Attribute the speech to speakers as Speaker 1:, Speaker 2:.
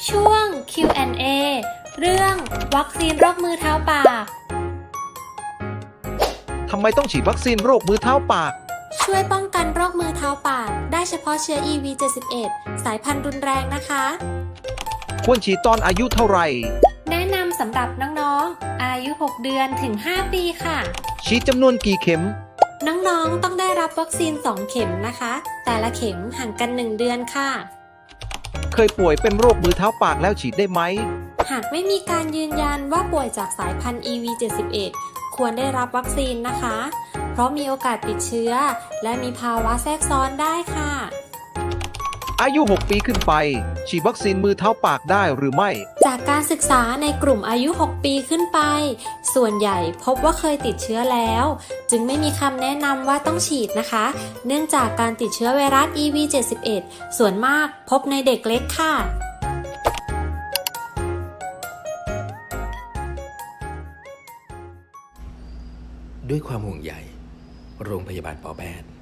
Speaker 1: ช่วง Q&A เรื่องวัคซีนโรคมือเท้าปาก
Speaker 2: ทำไมต้องฉีดวัคซีนโรคมือเท้าปาก
Speaker 1: ช่วยป้องกันโรคมือเท้าปากได้เฉพาะเชื้อ EV71 สายพันธุ์รุนแรงนะคะ
Speaker 2: ควรฉีดตอนอายุเท่าไหร่
Speaker 1: แนะนำสำหรับน้องๆ อายุ 6 เดือนถึง 5 ปีค่ะ
Speaker 2: ฉีดจำนวนกี่เข็ม
Speaker 1: น้องๆ ต้องได้รับวัคซีน 2 เข็มนะคะ แต่ละเข็มห่างกัน 1 เดือนค่ะ
Speaker 2: เคยป่วยเป็นโรคมือเท้าปากแล้วฉีดได้ไหม
Speaker 1: หากไม่มีการยืนยันว่าป่วยจากสายพันธุ์ EV71 ควรได้รับวัคซีนนะคะ เพราะมีโอกาสติดเชื้อ และมีภาวะแทรกซ้อนได้ค่ะ
Speaker 2: อายุ 6 ปีขึ้นไป ฉีดวัคซีนมือเท้าปากได้หรือไม่
Speaker 1: จากการศึกษาในกลุ่มอายุ 6 ปีขึ้นไป ส่วนใหญ่พบว่าเคยติดเชื้อแล้ว จึงไม่มีคำแนะนำว่าต้องฉีดนะคะ เนื่องจากการติดเชื้อไวรัส EV71 ส่วนมากพบในเด็กเล็กค่ะ
Speaker 3: ด้วยความห่วงใยโรงพยาบาลปอแปด